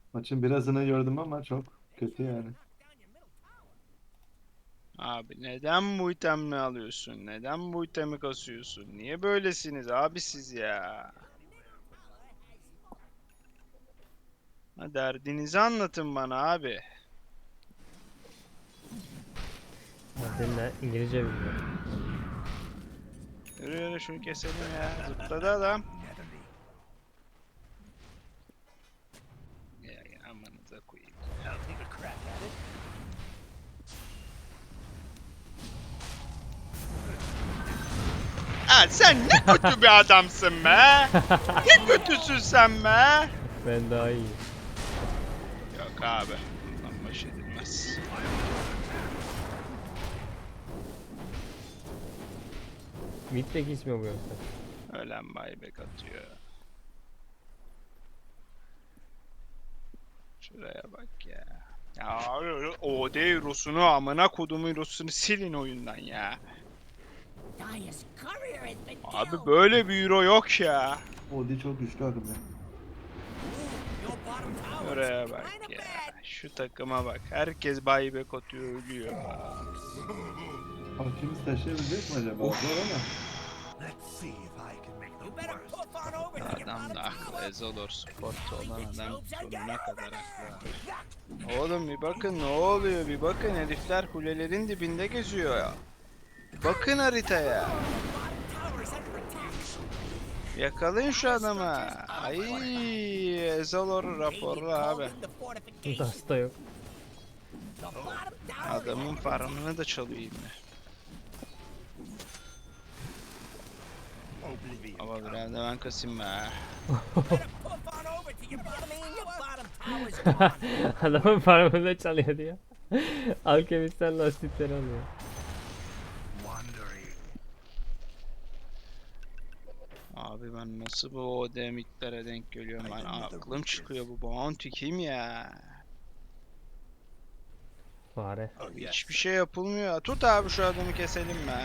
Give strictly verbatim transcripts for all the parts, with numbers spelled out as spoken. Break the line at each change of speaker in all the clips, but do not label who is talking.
Maçın birazını gördüm ama çok kötü yani.
Abi neden bu itemini alıyorsun? Neden bu itemi kasıyorsun? Niye böylesiniz abi siz ya? Ha, derdinizi anlatın bana abi.
Senin de İngilizce bilmiyor.
Yürü yürü şunu keselim ya. Zıpladı adam. Ya, ya amanıza koyayım. Ha, sen ne kötü bir adamsın be. Ne kötüsün sen be.
Ben daha iyi.
Yok abi. Bundan baş edilmez.
Mid'deki ismi bu yoksa.
Ölen buyback atıyor. Şuraya bak ya. Ya o değil Rus'unu amına kodumun Rus'unu silin oyundan ya. Abi böyle bir euro yok ya.
Odi çok güçlü akım ya.
Şuraya bak ya. Şu takıma bak. Herkes buyback atıyor ölüyor.
Hakimiz taşıyabilecek mi acaba?
Of.
Zor ama.
Adam da haklı. Ezolor sportu olan adam sonuna kadar haklı. Oğlum bir bakın ne oluyor bir bakın herifler kulelerin dibinde geziyor ya. Bakın haritaya. Yakalayın şu adamı. Ay Ezolor raporlu abi.
Hasta yok.
Adamın farmını da çalıyor yine. Ama biraz da ben kasayım be.
Adamın parmağında çalıyor diyor. Alkemistler lastikleri alıyor.
Abi ben nasıl bu O D mitlere denk geliyorum ben aklım çıkıyor bu bounty kim ya?
Fare.
Abi hiçbir şey yapılmıyor. Tut abi şu adamı keselim be.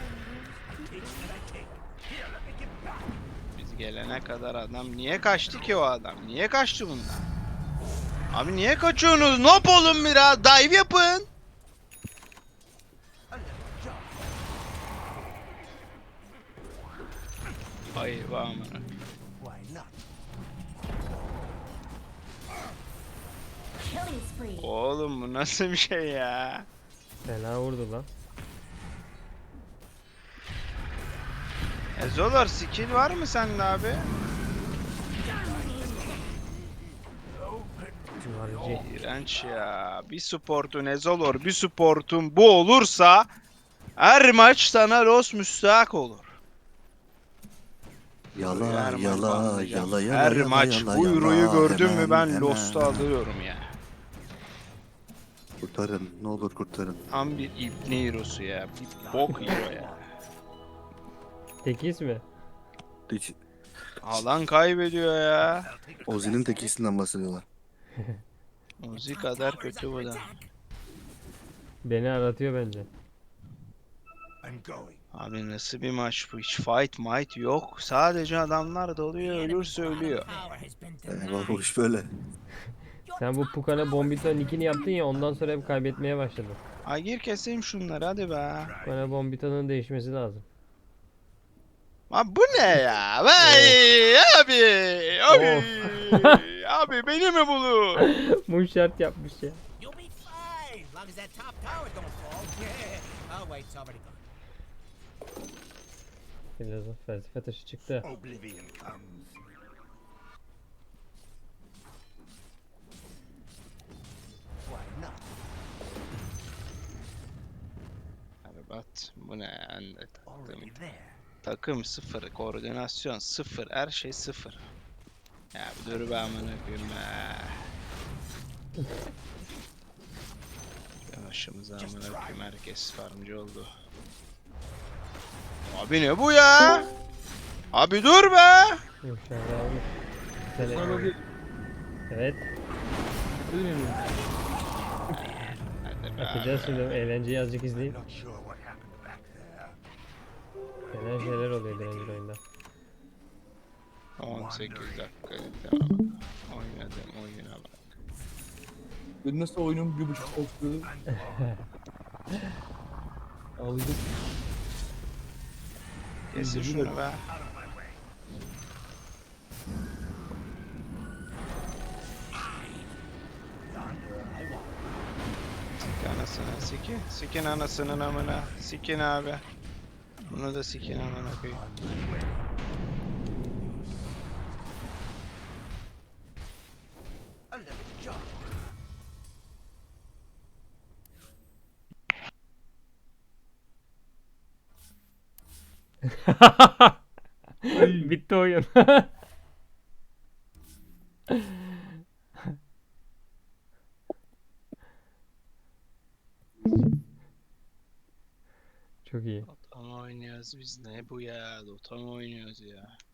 Biz gelene kadar adam niye kaçtı ki o adam? Niye kaçtı bundan? Abi niye kaçıyorsunuz? Ne yapalım biraz? Dive yapın. Ay vay amına. Oğlum bu nasıl bir şey ya?
Fena vurdu lan.
E Zolar skill var mı sende abi?
Civarıcı.
İğrenç ya. Bir supportun Ezolor, bir supportun bu olursa her maç sana Los müstahak olur.
Yala
Her maç
yala
banlayacağım.
yala yala
Her
yala
maç
yala
bu euroyu
yala
gördün mü
hemen
ben Lost'u
hemen.
alıyorum ya.
Kurtarın ne olur kurtarın.
Tam bir ibne hero'su ya. Bir bok hero ya.
Tek ismi.
Hiç,
Alan kaybediyor ya.
Ozi'nin tekisinden bahsediyorlar.
Uzi kadar kötü bu da.
Beni aratıyor bence.
Abi nasıl bir maç bu? Hiç fight might yok. Sadece adamlar dalıyor, ölürse ölüyor.
Eyvah bu iş böyle.
Sen bu Pukana Bombito nickini yaptın ya ondan sonra hep kaybetmeye başladın.
Ay gir keseyim şunları hadi be.
Pukana Bombito'nun değişmesi lazım.
Abi bu ne ya? Vay abi. Abi.
Of.
Abi beni mi bulur?
Bu şart yapmış ya.
You'll be fine, long as that top tower don't fall. Oh wait, it's already gone.
Filozof felsefe taşı çıktı.
Oblivion comes. Why not?
Abi bat bu ne ya? Ben de taktım.
Already there.
Takım sıfır, koordinasyon sıfır, her şey sıfır. Ya bir dur be amına koyayım be. Ya başımıza amına koyayım herkes farmcı oldu. Abi ne bu ya? Abi dur be.
Yumuşağını almış. Seni... Evet.
Hadi be.
Yapacağız şimdi. Eğlenceyi azıcık izleyip.
Not sure what happened back there.
Fena şeyler oluyor direnci oyunda.
on sekiz dakika tamam. Oynadım oyuna bak.
Ben nasıl oyunum bir buçuk saat sürdü. Ağlayacağım.
Kesin şunu be. Sik anasını sikin. Sikin anasının amına. Sikin abi. Bunu da sikin amına koyayım.
A little jump.
Bitti oyun. Çok iyi.
Dota mı oynuyoruz biz, ne bu ya? Dota mı oynuyoruz ya?